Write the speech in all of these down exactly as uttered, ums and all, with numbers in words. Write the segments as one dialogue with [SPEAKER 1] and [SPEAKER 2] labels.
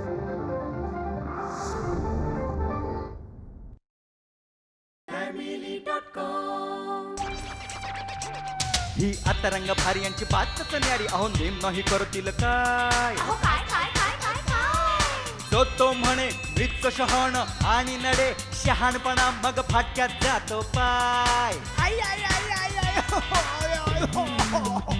[SPEAKER 1] ही आता रंग भारी यांची बातच न्यारी अहो नेम नाही करतील काय तो तो म्हणे मृत शहाण आणि नडे शहाणपणा मग फाटक्यात जातो पाय आई आई आई आई आई हो, आय, आय, हो, हो.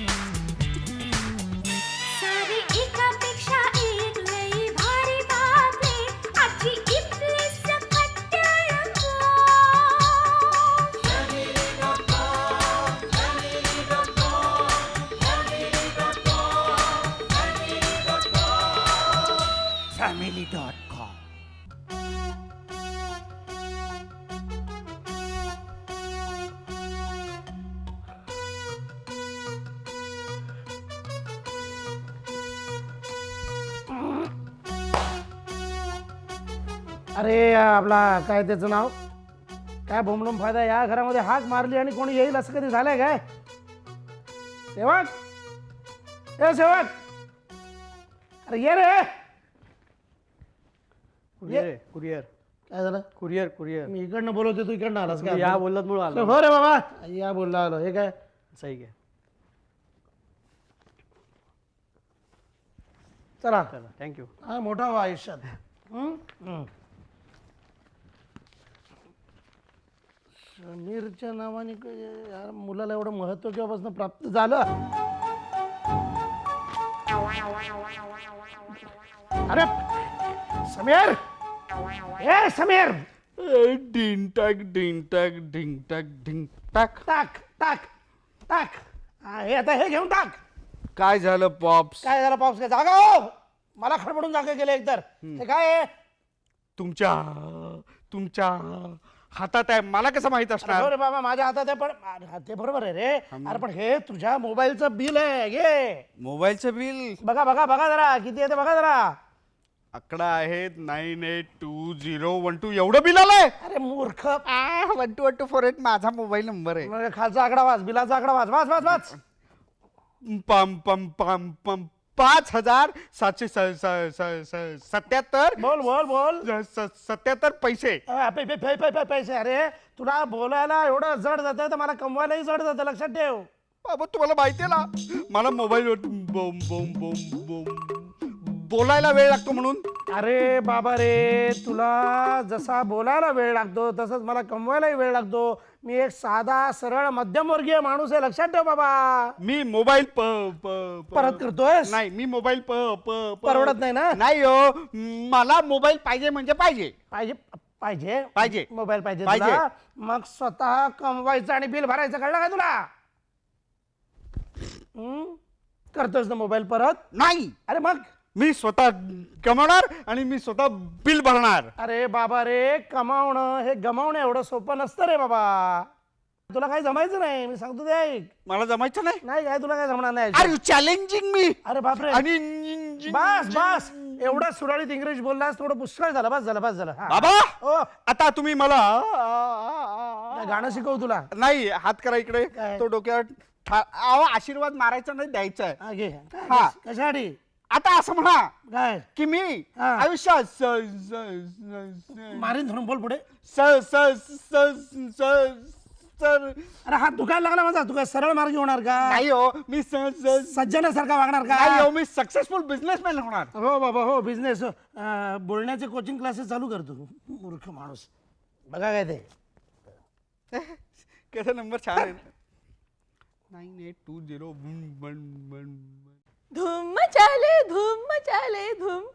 [SPEAKER 2] सारी एकापेक्षा एक लई भारी बातमी आजची इथली सकट टेलिफोन.
[SPEAKER 1] Family dot com.
[SPEAKER 3] अरे आपला काय त्याचं नाव काय बोंबलून फायदा या घरामध्ये हाक मारली आणि कोणी येईल असं कधी झालंय काय सेवक ए सेवक अरे ये रे
[SPEAKER 4] कुरिअर कुरिअर
[SPEAKER 3] काय झालं
[SPEAKER 4] कुरिअर कुरिअर
[SPEAKER 3] मी इकडनं बोलवते तू इकडनं आलास काय
[SPEAKER 4] या बोलत मुळे आलो.
[SPEAKER 3] हो रे बाबा या बोलला आलो हे काय
[SPEAKER 4] सही घ्या.
[SPEAKER 3] चला
[SPEAKER 4] चला थँक्यू.
[SPEAKER 3] हा मोठा हो आयुष्यात. हं? हं. समीरच्या नावाने क- यार मुलाला एवढं महत्व केव्हापासून प्राप्त झालं. अरे समीर ए समीर
[SPEAKER 4] डिंग टॅक डिंग टॅक डिंग टॅक डिंग टॅक.
[SPEAKER 3] टाक टाक टाक हा, हे आता हे घेऊन टाक.
[SPEAKER 4] काय झालं पॉप्स?
[SPEAKER 3] काय झालं पाऊस काय जागा हो मला खडबडून जागा गेले एकतर हे काय आहे?
[SPEAKER 4] तुमच्या तुमच्या हातात आहे मला कसं माहित
[SPEAKER 3] अरे
[SPEAKER 4] असणार?
[SPEAKER 3] हो रे बाबा माझ्या हातात आहे पण अरे, ते बरोबर आहे रे अरे पण हे तुझ्या मोबाईलचं बिल आहे घे
[SPEAKER 4] मोबाईलचं बिल
[SPEAKER 3] बघा बघा बघा जरा किती येते बघा जरा.
[SPEAKER 4] आकडा आहे nine eight two zero one two एवढं बिल आलंय.
[SPEAKER 3] अरे मूर्ख
[SPEAKER 4] one two one two four eight माझा मोबाईल नंबर आहे.
[SPEAKER 3] मग खालचा आकडा वाच बिलाचा आकडा वाच वाच वाच वाच
[SPEAKER 4] पम पम पम पम पाच हजार सातशे स- स- स- स- सत्याहत्तर
[SPEAKER 3] बोल बोल बोल
[SPEAKER 4] स- स- सत्याहत्तर पैसे.
[SPEAKER 3] अ, पै- पै- पै- पै- पै- पैसे अरे तुला बोलायला एवढं जड जातं तर मला कमवायलाही जड जातं लक्षात ठेव.
[SPEAKER 4] बाबा तुम्हाला माहितीये ना मला मोबाईलवर बोम बोम बोम बोम बोलायला वेळ लागतो म्हणून.
[SPEAKER 3] अरे बाबा रे तुला जसा बोलायला वेळ लागतो तसंच मला कमवायलाही वेळ लागतो. मी एक साधा सरळ मध्यमवर्गीय माणूस आहे लक्षात ठेव बाबा.
[SPEAKER 4] मी मोबाईल प प प-
[SPEAKER 3] परत करतोय
[SPEAKER 4] नाही मी मोबाईल प प प-
[SPEAKER 3] परवडत नाही ना
[SPEAKER 4] नाही हो मला मोबाईल पाहिजे म्हणजे पाहिजे
[SPEAKER 3] पाहिजे पाहिजे
[SPEAKER 4] पाहिजे.
[SPEAKER 3] मोबाईल पाहिजे
[SPEAKER 4] पाहिजे.
[SPEAKER 3] तुला मग स्वतः कमवायचं आणि बिल भरायचं कळलं का तुला. हं? करतोस ना मोबाईल परत.
[SPEAKER 4] नाही
[SPEAKER 3] अरे मग
[SPEAKER 4] मी स्वतः कमवणार आणि मी स्वतः बिल भरणार.
[SPEAKER 3] अरे बाबा रे कमावणं हे गमावणं एवढं सोपं नसतं रे बाबा. तुला काही जमायचं नाही मी सांगतो ते ऐक.
[SPEAKER 4] मला जमायचं नाही.
[SPEAKER 3] नाही काय तुला काय जमणार नाही.
[SPEAKER 4] Are you challenging me?
[SPEAKER 3] अरे बापरे
[SPEAKER 4] आणि
[SPEAKER 3] बस बस एवढा सुरळीत इंग्रजी बोललास थोडं पुष्कळ झालं बस झालं बस झालं हा.
[SPEAKER 4] बाबा
[SPEAKER 3] ओ
[SPEAKER 4] आता तुम्ही मला
[SPEAKER 3] काय गाणं शिकव तुला.
[SPEAKER 4] नाही हात करा इकडे
[SPEAKER 3] काय?
[SPEAKER 4] तो डोक्यावर ठा- अहो, आशीर्वाद मारायचा नाही द्यायचा आहे.
[SPEAKER 3] हा, घे काय?
[SPEAKER 4] हा.
[SPEAKER 3] कशासाठी
[SPEAKER 4] आता असं म्हणा
[SPEAKER 3] काय
[SPEAKER 4] की मी
[SPEAKER 3] हा.
[SPEAKER 4] आयुष्यात स- स- स-
[SPEAKER 3] मारीन धरून बोल पुढे.
[SPEAKER 4] स- स- स- स- सर
[SPEAKER 3] अरे हात दुखायला लागला माझा तू काय सरळ मार्गी होणार का.
[SPEAKER 4] नाही हो मी स- स-
[SPEAKER 3] सज्जनासारखा वागणार
[SPEAKER 4] नाही
[SPEAKER 3] का.
[SPEAKER 4] हो मी सक्सेसफुल बिझनेसमॅन होणार.
[SPEAKER 3] हो बाबा हो बिझनेस बोलण्याचे कोचिंग क्लासेस चालू करतो मूर्ख माणूस. बघा काय ते
[SPEAKER 4] कसा नंबर छान आहे nine eight two zero one one
[SPEAKER 5] धूम मचाले धूम मचाले धूम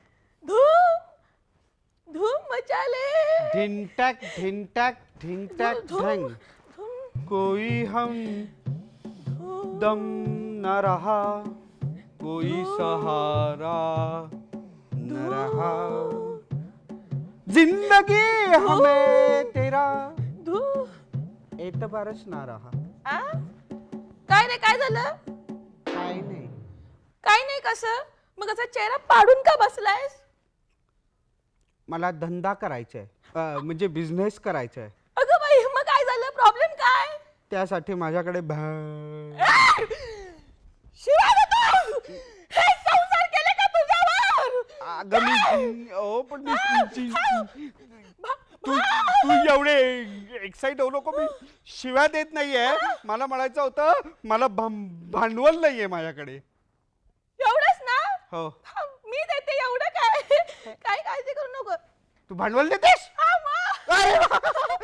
[SPEAKER 5] धूम धूम मचाले
[SPEAKER 4] ढिन टैक ढिन टैक ढिन टैक
[SPEAKER 5] धूम
[SPEAKER 4] ढंग
[SPEAKER 5] धूम
[SPEAKER 4] कोई हम दम न रहा कोई सहारा न रहा जिंदगी हमें तेरा
[SPEAKER 5] धूम
[SPEAKER 4] एतबारच ना रहा.
[SPEAKER 5] आ काय नाही काय झालं
[SPEAKER 4] काय नाही
[SPEAKER 5] काय नाही कसं मग असा चेहरा पाडून का बसलायस.
[SPEAKER 4] मला धंदा करायचा आहे अं, म्हणजे बिझनेस करायचा आहे.
[SPEAKER 5] अगं बाई मग काय झालं प्रॉब्लेम काय.
[SPEAKER 4] त्यासाठी माझ्याकडे भा-
[SPEAKER 5] शिवाय देतो. हे संसार केले का तुझ्यावर.
[SPEAKER 4] अगं मी ओ पण मी तू तू एवढे एक्साइट होऊ नको. मी शिव्या देत नाहीये. मला म्हणायचं होतं मला भं- भांडवल नाहीये माझ्याकडे.
[SPEAKER 5] एवढंच ना?
[SPEAKER 4] हो.
[SPEAKER 5] हा, मी देते एवढं काय काय काळजी करू नको.
[SPEAKER 4] तू भांडवल देतेस?
[SPEAKER 5] हा, मा.
[SPEAKER 4] अरे वा.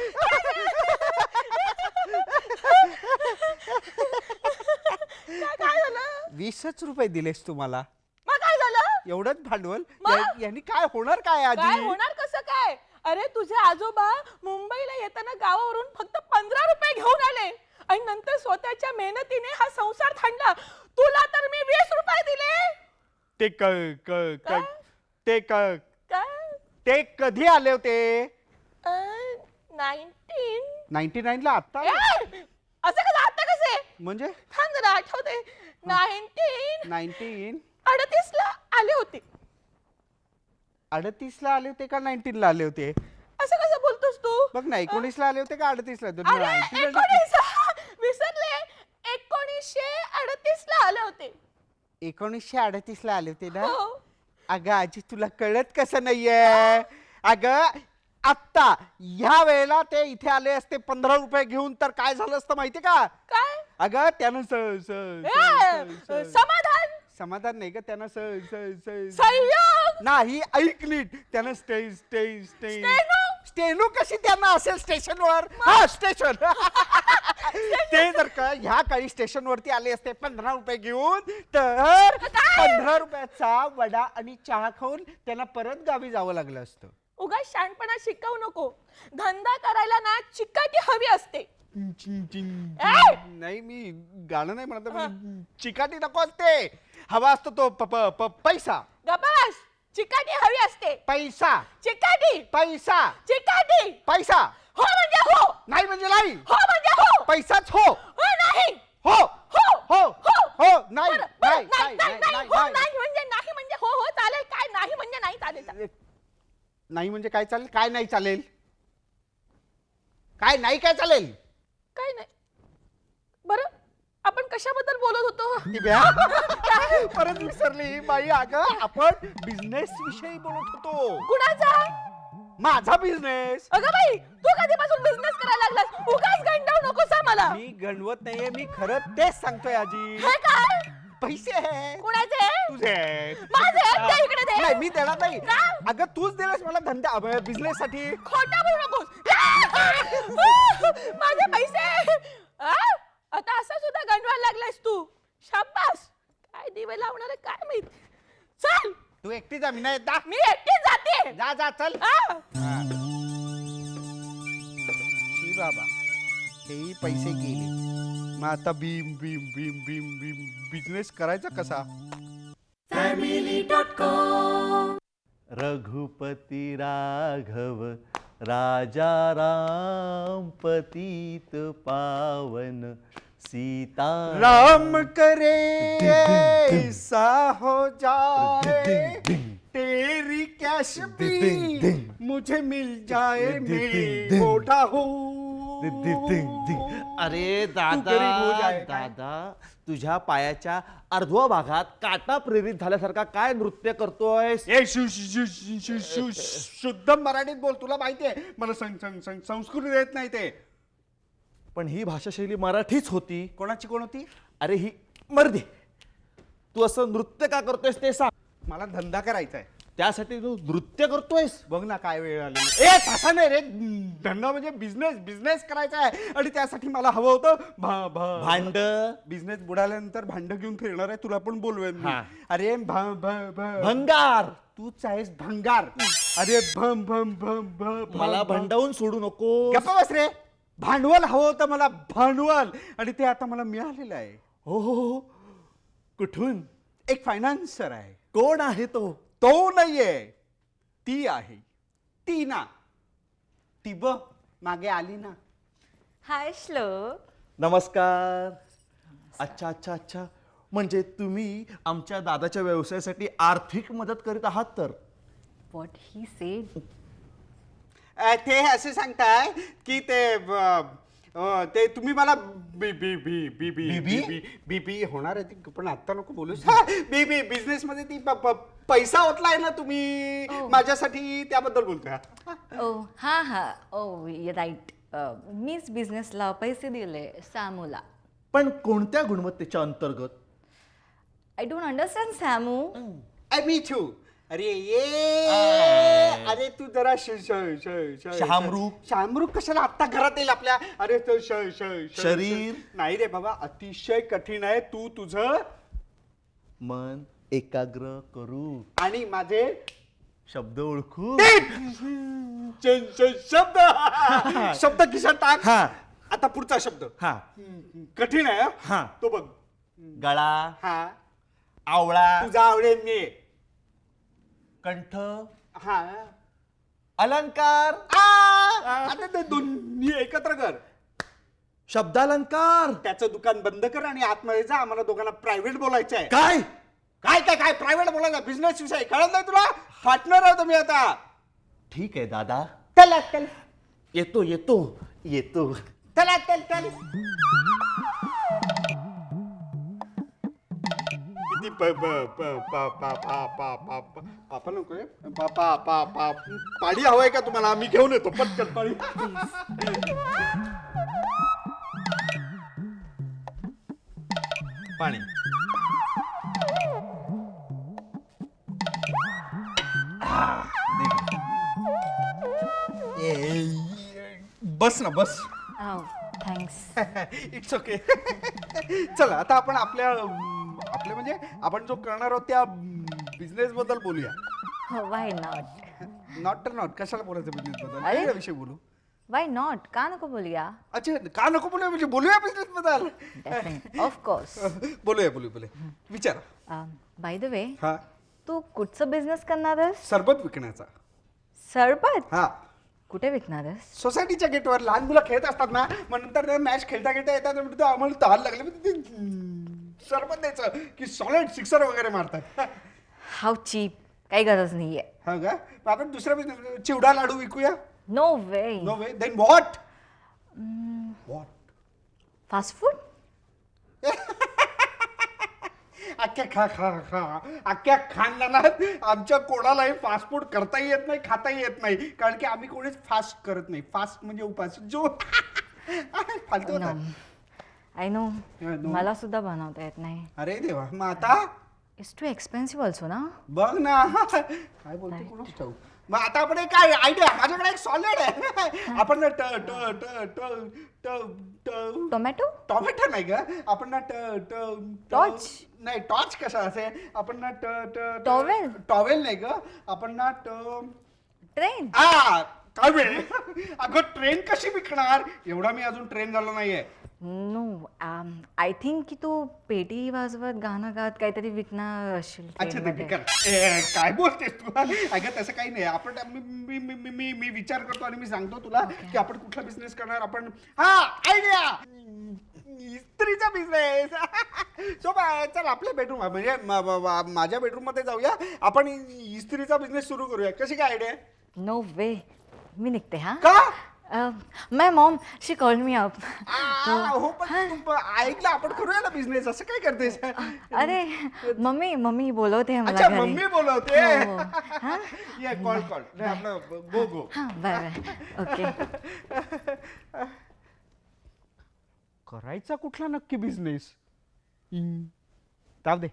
[SPEAKER 5] काय काय झालं?
[SPEAKER 4] वीसच रुपये दिलेस तू मला.
[SPEAKER 5] मग काय झालं?
[SPEAKER 4] एवढंच भांडवल
[SPEAKER 5] मग?
[SPEAKER 4] या- यांनी काय होणार काय
[SPEAKER 5] काय
[SPEAKER 4] आजी?
[SPEAKER 5] होणार कसं काय? अरे तुझे आजोबा मुंबईला येताना गावावरून फक्त पंधरा रुपये घेऊन आले आणि नंतर स्वतःच्या मेहनतीने हा संसार थांडला. तुला तर मी वीस रुपये दिले.
[SPEAKER 4] ते क क-
[SPEAKER 5] काय?
[SPEAKER 4] क- ते क-
[SPEAKER 5] काय?
[SPEAKER 4] ते कधी आले होते?
[SPEAKER 5] नाईन्टीन
[SPEAKER 4] नाईन्टी नाईन ला आता
[SPEAKER 5] असं कसं आता कसे?
[SPEAKER 4] म्हणजे
[SPEAKER 5] थांब जरा आठवते. नाईन्टीन
[SPEAKER 4] नाईन्टीन
[SPEAKER 5] अडतीस ला आले होते.
[SPEAKER 4] अडतीस ला आले होते का नाईन्टीन ला आले होते?
[SPEAKER 5] असं कसं बोलतोस तू?
[SPEAKER 4] बघ ना एकोणीस ला आले होते का अडतीस ला?
[SPEAKER 5] अरे एकोणीस विसरले. एकोणीसशे अडतीस ला आले होते.
[SPEAKER 4] एकोणीसशे अडतीस ला आले होते ना?
[SPEAKER 5] हो.
[SPEAKER 4] अगं आजी तुला कळत कसं नाहीये? अगं आत्ता ह्या वेळेला ते इथे आले असते पंधरा रुपये घेऊन तर काय झालं असतं माहिती का?
[SPEAKER 5] काय?
[SPEAKER 4] अगं त्यानं स- स-
[SPEAKER 5] ए,
[SPEAKER 4] स- स-
[SPEAKER 5] समाधान
[SPEAKER 4] समाधान नाही का त्यानं स- स- स-
[SPEAKER 5] संयोग
[SPEAKER 4] नाही ऐक नीट त्यानं स्टे स्टे स्टे
[SPEAKER 5] स्टेनो?
[SPEAKER 4] स्टेनो कशी त्यांना असेल स्टेशनवर? हा स्टेशन ते जर का ह्या काही स्टेशनवरती आले असते पंधरा रुपये घेऊन तर पंधरा रुपयाचा वडा आणि चहा खाऊन त्यांना परत गावी जावं लागलं असतं.
[SPEAKER 5] उगा शहाणपणा शिकवू नको. धंदा करायला ना चिकाटी हवी असते. ए!
[SPEAKER 4] नाही मी गाणं नाही म्हणत पण चिकाटी नको असते. हवा असतो तो प- प- प- पैसा
[SPEAKER 5] गपास चिकाटी हवी असते.
[SPEAKER 4] पैसा
[SPEAKER 5] चिकाटी
[SPEAKER 4] पैसा
[SPEAKER 5] चिकाटी
[SPEAKER 4] पैसा
[SPEAKER 5] हो म्हणजे हो.
[SPEAKER 4] नाही म्हणजे नाही.
[SPEAKER 5] हो म्हणजे हो.
[SPEAKER 4] पैसाच हो
[SPEAKER 5] हो नाही.
[SPEAKER 4] हो
[SPEAKER 5] हो
[SPEAKER 4] हो
[SPEAKER 5] हो
[SPEAKER 4] हो नाही
[SPEAKER 5] बरं, बरं,
[SPEAKER 4] नाही
[SPEAKER 5] नाही
[SPEAKER 4] नाही
[SPEAKER 5] नाही,
[SPEAKER 4] नाही,
[SPEAKER 5] हो
[SPEAKER 4] नाही.
[SPEAKER 5] नाही म्हणजे नाही म्हणजे हो हो चालेल. काय नाही म्हणजे नाही चालेल चालेल.
[SPEAKER 4] नाही म्हणजे काय चालेल? काय नाही चालेल? काय नाही काय चालेल?
[SPEAKER 5] काय नाही. बरं आपण कशाबद्दल बोलत होतो?
[SPEAKER 4] ती ब्या. परत विसरली बाई. अगं आपण बिझनेस विषयी बोलत होतो.
[SPEAKER 5] कुणाचा?
[SPEAKER 4] माझा बिझनेस.
[SPEAKER 5] अगं बाई तू कधीपासून बिझनेस करायला लागलास? उगाच गंडावू नकोस हा मला.
[SPEAKER 4] मी गणवत नाहीये. मी खरं तेच सांगतोय आजी.
[SPEAKER 5] हे काय?
[SPEAKER 4] पैसे आहेत.
[SPEAKER 5] कुणाचे?
[SPEAKER 4] तुझे.
[SPEAKER 5] माझे आहेत? दे इकडे दे.
[SPEAKER 4] नाही मी देणार नाही.
[SPEAKER 5] का?
[SPEAKER 4] अगं तूच दिलास मला धंदा बिझनेस साठी.
[SPEAKER 5] खोटं बोलू नकोस. माझे पैसे. आ? आता असं सुद्धा गंडवायला लागलायस तू. शाबास. काय दिवे लावणार आहे काय माहित. चल
[SPEAKER 4] तू एकटी जा. मी नाही येत. जा.
[SPEAKER 5] मी एकटी जाते.
[SPEAKER 4] जा जा चल.
[SPEAKER 5] आ?
[SPEAKER 4] शी बाबा हेही पैसे गेले. मग आता बीम बीम बीम बीम बीम बिझनेस करायचा कसा?
[SPEAKER 1] रघुपती राघव राजा राम पतित पावन सीता
[SPEAKER 4] राम करे ऐसा हो जाए तेरी कैश भी मुझे मिल जाए मैं मोटा हूँ.
[SPEAKER 6] अरे
[SPEAKER 4] तू
[SPEAKER 6] दादा
[SPEAKER 4] गरीब हो जाए.
[SPEAKER 6] दादा तुझ्या पायाच्या अर्ध्या भागात काटा प्रेरित झाल्यासारखा काय नृत्य करतोयस?
[SPEAKER 4] ए शु शु- शु- शु- शु- शु- शुद्ध मराठीत बोल. तुला माहितीये मला सं- सं- सं- संस्कृत येत नाही ते.
[SPEAKER 6] पण ही भाषाशैली मराठीच होती.
[SPEAKER 4] कोणाची कोण होती?
[SPEAKER 6] अरे ही मर्दे तू असं नृत्य का करतोयस ते सांग.
[SPEAKER 4] मला धंदा करायचा आहे.
[SPEAKER 6] त्यासाठी तू नृत्य करतोयस?
[SPEAKER 4] बघ ना काय वेळ आली. ए तसा नाही रे. धंदा म्हणजे बिझनेस बिझनेस करायचा आहे आणि त्यासाठी मला हवं होतं भा- भा-
[SPEAKER 6] भांड
[SPEAKER 4] बिझनेस बुडाल्यानंतर भांड घेऊन फिरणार आहे. तुला पण बोलवेन मी.
[SPEAKER 6] हा.
[SPEAKER 4] अरे भा- भा- भा-
[SPEAKER 6] भंगार.
[SPEAKER 4] तूच आहेस भंगार. अरे भम भम भम भम
[SPEAKER 6] मला
[SPEAKER 4] भम.
[SPEAKER 6] भंडावून सोडू नको.
[SPEAKER 4] गप्पा बस रे. भांडवल हवं होतं मला भांडवल आणि ते आता मला मिळालेलं आहे.
[SPEAKER 6] हो हो हो. कुठून?
[SPEAKER 4] एक फायनान्सर आहे.
[SPEAKER 6] कोण आहे तो?
[SPEAKER 4] तो नाहीये ती आहे. ती ना ती ब मागे आली ना.
[SPEAKER 5] हाय श्लोक.
[SPEAKER 6] नमस्कार. अच्छा अच्छा अच्छा म्हणजे तुम्ही आमच्या दादाच्या व्यवसायासाठी आर्थिक मदत करीत आहात तर?
[SPEAKER 5] What he said.
[SPEAKER 4] अ, ते असे सांगताय की ते ब- अं, ते तुम्ही मला बी बी बी बी बी
[SPEAKER 6] बीबी?
[SPEAKER 4] बी बी बी होणार आहे ती, पण आता नको बोलूस. बी बी बिझनेस मध्ये ती प- प- पैसा ओतलाय ना तुम्ही माझ्यासाठी, त्याबद्दल बोलतोय.
[SPEAKER 7] ओ हां हां ओ राईट मीच बिझनेसला पैसे दिले सॅमूला.
[SPEAKER 6] पण कोणत्या गुणवत्तेच्या अंतर्गत?
[SPEAKER 7] I don't understand Samu.
[SPEAKER 4] I me too. अरे ये अरे तू जरा श श श श
[SPEAKER 6] शहामृग?
[SPEAKER 4] शहामृग कशाला आत्ता घरात येईल आपल्या? अरे तो श श श-
[SPEAKER 6] शरीर?
[SPEAKER 4] नाही रे बाबा, अतिशय कठीण आहे. तू तुझं
[SPEAKER 6] मन एकाग्र करू
[SPEAKER 4] आणि माझे
[SPEAKER 6] शब्द ओळखू.
[SPEAKER 4] श- श- शब्द शब्द खिशात टाक.
[SPEAKER 6] हा.
[SPEAKER 4] आता पुढचा शब्द
[SPEAKER 6] हा.
[SPEAKER 4] कठीण आहे.
[SPEAKER 6] हा.
[SPEAKER 4] तो बघ.
[SPEAKER 6] गळा,
[SPEAKER 4] हा
[SPEAKER 6] आवळा,
[SPEAKER 4] तुझा आवडेल मी.
[SPEAKER 6] कंठ,
[SPEAKER 4] हा
[SPEAKER 6] अलंकार,
[SPEAKER 4] आ, आता ते दोन्ही एकत्र कर.
[SPEAKER 6] शब्दालंकार.
[SPEAKER 4] त्याचं दुकान बंद कर आणि आतमध्ये जा. आम्हाला दोघांना प्रायव्हेट बोलायचं आहे.
[SPEAKER 6] काय?
[SPEAKER 4] काय काय काय प्रायव्हेट बोलायचं, बिझनेस विषय कळत नाही तुला? फाटणार आहोत मी आता.
[SPEAKER 6] ठीक आहे दादा,
[SPEAKER 4] चला चल
[SPEAKER 6] येतो येतो येतो.
[SPEAKER 4] चला चल चल. किती प प प प पा पा पा पा पा पापा नको रे. पा पा पा पा पाणी हवंय का तुम्हाला? मी घेऊन येतो पटकन पाणी. पाणी. बस ना बस.
[SPEAKER 7] थँक्स.
[SPEAKER 4] It's okay. चला आता आपण आपल्या अं, आपल्या म्हणजे आपण जो करणार आहोत त्या बिझनेस बद्दल बोलूया.
[SPEAKER 7] Why not.
[SPEAKER 4] नॉट तर नॉट कशाला बोलायचं बिझनेस बद्दल?
[SPEAKER 7] अरे.
[SPEAKER 4] वेगळा विषय बोलू.
[SPEAKER 7] वाय नॉट का नको बोलूया.
[SPEAKER 4] अच्छा का नको बोलूया, म्हणजे बोलूया बिझनेस बद्दल.
[SPEAKER 7] Definite of course.
[SPEAKER 4] बोलूया बोलूया बोलूया. विचारा.
[SPEAKER 7] बाय द वे
[SPEAKER 4] हा
[SPEAKER 7] तू कुठचं बिझनेस करणार आहेस.
[SPEAKER 4] सरबत विकण्याचा.
[SPEAKER 7] सरबत
[SPEAKER 4] हा
[SPEAKER 7] कुठे विकणार आहेस.
[SPEAKER 4] सोसायटीच्या गेटवर लहान मुलं खेळत असतात ना, मग नंतर ते मॅच खेळता खेळता येतात तर म्हणतो, आम्हाला तहान लागले, मग ते सरबत द्यायचं की सॉलिड सिक्सर वगैरे मारतात.
[SPEAKER 7] How cheap. काही गरज नाहीये.
[SPEAKER 4] हा का? मग आपण दुसरा बिझनेस चिवडा लाडू विकूया.
[SPEAKER 7] No way.
[SPEAKER 4] No way. Then what? What?
[SPEAKER 7] Fast food.
[SPEAKER 4] अख्ख्या खा खा खा अख्ख्या खानदानात आमच्या कोणालाही फास्ट फूड करताही येत नाही, खाताही येत नाही, कारण की आम्ही कोणीच फास्ट करत नाही. फास्ट म्हणजे उपास जो फालतू होता.
[SPEAKER 7] I know.
[SPEAKER 4] Yeah, no.
[SPEAKER 7] मला सुद्धा बनवता येत नाही.
[SPEAKER 4] अरे देवा. मग आता
[SPEAKER 7] इट्स टू एक्सपेन्सिव्ह ऑल्सो ना.
[SPEAKER 4] बघ ना काय बोलतो कोणाच ठाऊ. मग आता आपण एक काय आयडिया, माझ्याकडे एक सॉलिड आहे. आपण ना ट ट ट ट ट ट
[SPEAKER 7] टोमॅटो.
[SPEAKER 4] टॉमॅटो नाही का? आपण ना ट ट ट-
[SPEAKER 7] Torch?
[SPEAKER 4] नाही टॉर्च कशा असेल. आपण ना ट ट ट-
[SPEAKER 7] Towel?
[SPEAKER 4] टॉवेल नाही का? आपण ना ट
[SPEAKER 7] ट्रेन.
[SPEAKER 4] आ काय वेळ. अगं ट्रेन कशी विकणार? एवढा मी अजून ट्रेन झालो नाहीये.
[SPEAKER 7] नो आय थिंक की तू पेटी वाजवत गाणं गात काहीतरी विकणार असशील
[SPEAKER 4] अच्छा ते
[SPEAKER 7] train मध्ये.
[SPEAKER 4] विकत. ए, काय बोलतेस तू? अगं तसं काही नाही. आपण मी मी मी मी मी मी विचार करतो आणि मी सांगतो तुला की आपण कुठला बिझनेस करणार. आपण हा आयडिया इस्त्रीचा बिझनेस. सो चल आपल्या बेडरूम म्हणजे म- म- म- माझ्या बेडरूम मध्ये जाऊया. आपण इस्त्रीचा बिझनेस सुरू करूया. कशी काय आयडिया?
[SPEAKER 7] नो वे. मी निघते हा.
[SPEAKER 4] का?
[SPEAKER 7] My mom she call me up.
[SPEAKER 4] आ, हो पण तू ऐकलं आपण करूया ना बिझनेस. असं काय करतेस?
[SPEAKER 7] अरे मम्मी मम्मी बोलवते मला
[SPEAKER 4] अच्छा
[SPEAKER 7] घरी.
[SPEAKER 4] मम्मी बोलवते.
[SPEAKER 7] हो, हा?
[SPEAKER 4] ये कॉल कॉल आपलं गो गो.
[SPEAKER 7] हां बाय बाय. ओके.
[SPEAKER 4] करायचा कुठला नक्की बिझनेस? जाऊ दे.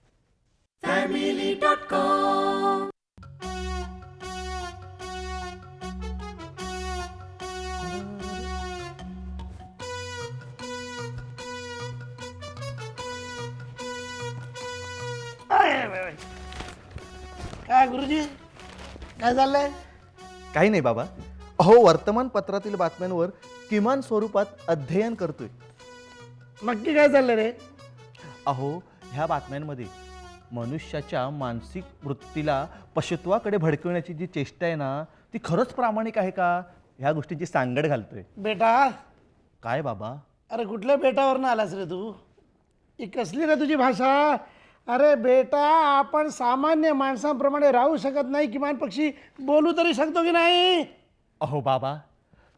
[SPEAKER 3] काय गुरुजी काय चाललंय.
[SPEAKER 6] काही नाही बाबा. अहो वर्तमानपत्रातील बातम्यांवर किमान स्वरूपात अध्ययन करतोय.
[SPEAKER 3] नक्की काय चाललंय रे.
[SPEAKER 6] अहो ह्या बातम्यांमध्ये मनुष्याच्या मानसिक वृत्तीला पशुत्वाकडे भडकवण्याची जी चेष्टा आहे ना, ती खरंच प्रामाणिक आहे का, ह्या गोष्टीची सांगड घालतोय.
[SPEAKER 3] बेटा.
[SPEAKER 6] काय बाबा?
[SPEAKER 3] अरे कुठल्या बेटावरनं आलास रे तू. ही कसली रे तुझी भाषा. अरे बेटा आपण सामान्य माणसांप्रमाणे राहू शकत नाही, किमान पक्षी बोलू तरी शकतो की नाही.
[SPEAKER 6] अहो बाबा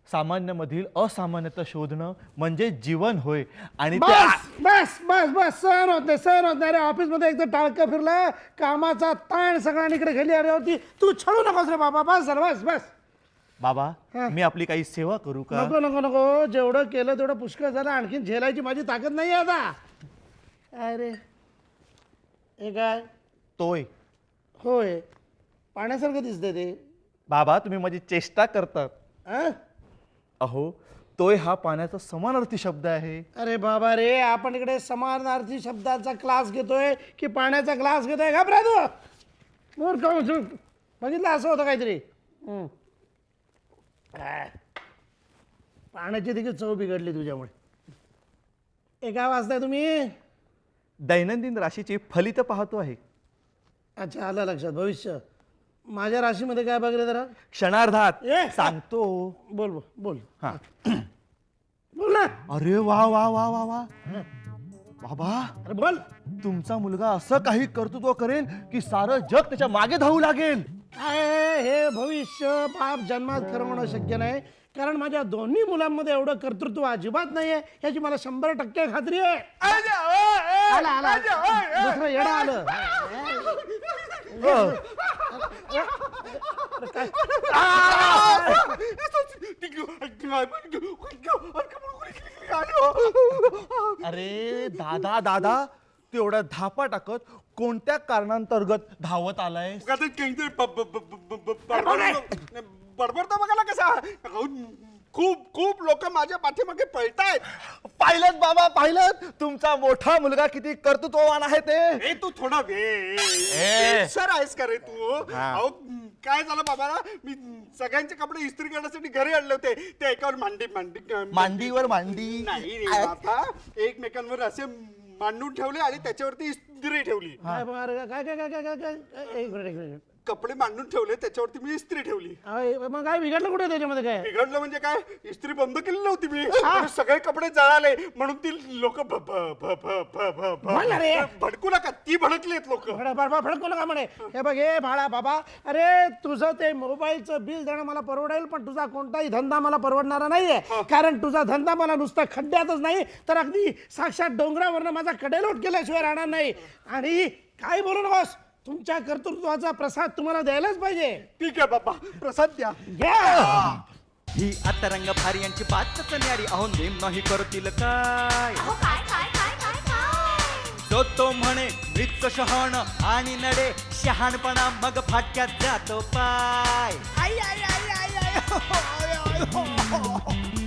[SPEAKER 6] सामान्यमधील असामान्यता शोधणं म्हणजे जीवन होय. आणि ते
[SPEAKER 3] बस बस बस बस सहन होत नाही सहन होत नाही रे. ऑफिसमध्ये एकदा टाळकं फिरलं, कामाचा ताण सगळ्यांकडे गेली अरे होती. तू छळू नकोस रे बाबा. बस झालं बस बस.
[SPEAKER 6] बाबा
[SPEAKER 3] हा.
[SPEAKER 6] मी आपली काही सेवा करू का?
[SPEAKER 3] नको नको नको. जेवढं केलं तेवढं पुष्कळ झालं. आणखीन झेलायची माझी ताकद नाही आहे आता. अरे हे काय?
[SPEAKER 6] तोय.
[SPEAKER 3] होय, पाण्यासारखं दिसतंय ते.
[SPEAKER 6] बाबा तुम्ही माझी चेष्टा करतात.
[SPEAKER 3] अं?
[SPEAKER 6] अहो तोय हा पाण्याचा समानार्थी शब्द आहे.
[SPEAKER 3] अरे बाबा रे, आपण इकडे समानार्थी शब्दाचा क्लास घेतोय की पाण्याचा क्लास घेतोय? घाबरा तू मूर्ख माणूस. बघितलं असं होतं काहीतरी. हम्म. आ. पाण्याची देखील चव बिघडली तुझ्यामुळे. हे काय वाचताय तुम्ही?
[SPEAKER 6] दैनंदिन राशीची फलित पाहतो आहे.
[SPEAKER 3] अच्छा, आलं लक्षात. भविष्य. माझ्या राशीमध्ये काय बघ रे जरा.
[SPEAKER 6] क्षणार्धात
[SPEAKER 3] ए!
[SPEAKER 6] सांगतो.
[SPEAKER 3] बोल बोल बोल
[SPEAKER 6] हा.
[SPEAKER 3] बोल ना.
[SPEAKER 6] अरे वा वा वा वा वा बाबा,
[SPEAKER 3] अरे बोल.
[SPEAKER 6] तुमचा मुलगा असं काही कर्तृत्व करेल की सारं जग त्याच्या मागे धावू लागेल.
[SPEAKER 3] काय हे भविष्य बाप जन्मात खरं होणं शक्य नाही, कारण माझ्या दोन्ही मुलांमध्ये एवढं कर्तृत्व अजिबात नाहीये याची मला शंभर टक्के खात्री आहे. आला आला दुसरं येडं आलं.
[SPEAKER 6] अरे दादा दादा तू एवढा धापा टाकत कोणत्या कारणांतर्गत धावत आलाय?
[SPEAKER 4] बडबडतो बघायला कसा. खूप खूप लोक माझ्या पाठीमागे पळतायत.
[SPEAKER 6] पाहिलं बाबा पाहिलं, तुमचा मोठा मुलगा किती कर्तृत्ववान आहे ते.
[SPEAKER 4] ए तू थोडा वे सर आहेस का रे तू? अहो काय झालं बाबा, मी सगळ्यांचे कपडे इस्त्री करण्यासाठी घरी आणले होते. ते एकावर मांडी मांडी
[SPEAKER 6] मांडीवर मांडी
[SPEAKER 4] नाही रे बाबा, एकमेकांवर असे मांडून ठेवले आणि त्याच्यावरती इस्त्री ठेवली.
[SPEAKER 3] काय बरं, काय काय काय काय काय काय एक मिनिट एक मिनिट.
[SPEAKER 4] कपडे मांडून ठेवले त्याच्यावरती मी इस्त्री ठेवली.
[SPEAKER 3] अय, मग काय बिघडलं कुठे त्याच्यामध्ये? काय
[SPEAKER 4] बिघडलं म्हणजे काय, इस्त्री बंद केली नव्हती मी. आणि सगळे कपडे जळाले म्हणून ती लोक
[SPEAKER 3] बोल ना रे.
[SPEAKER 4] भडकू नका, ती भडकलेत लोक.
[SPEAKER 3] फडकू नका म्हणे. हे बघ हे भाडा बाबा, अरे तुझं ते मोबाईलचं बिल देणं मला परवडेल, पण तुझा कोणताही धंदा मला परवडणारा नाहीये. कारण तुझा धंदा मला नुसता खड्ड्यातच नाही तर अगदी साक्षात डोंगरावरनं माझा कडेलोट केल्याशिवाय राहणार नाही. आणि काय बोलू नकोस, तुमच्या कर्तृत्वाचा प्रसाद तुम्हाला द्यायलाच पाहिजे.
[SPEAKER 4] ठीक आहे बाबा, प्रसाद द्या.
[SPEAKER 3] घ्या.
[SPEAKER 1] ही अतरंग भारी यांची बातच न्यारी. अहो नेम नाही करतील काय.
[SPEAKER 2] अहो काय काय काय काय काय
[SPEAKER 1] तो तो म्हणे मृत शहाण आणि नडे शहाणपणा मग फाटक्यात जातो पाय. आई आई आई आई आई हो, हो, हो, हो.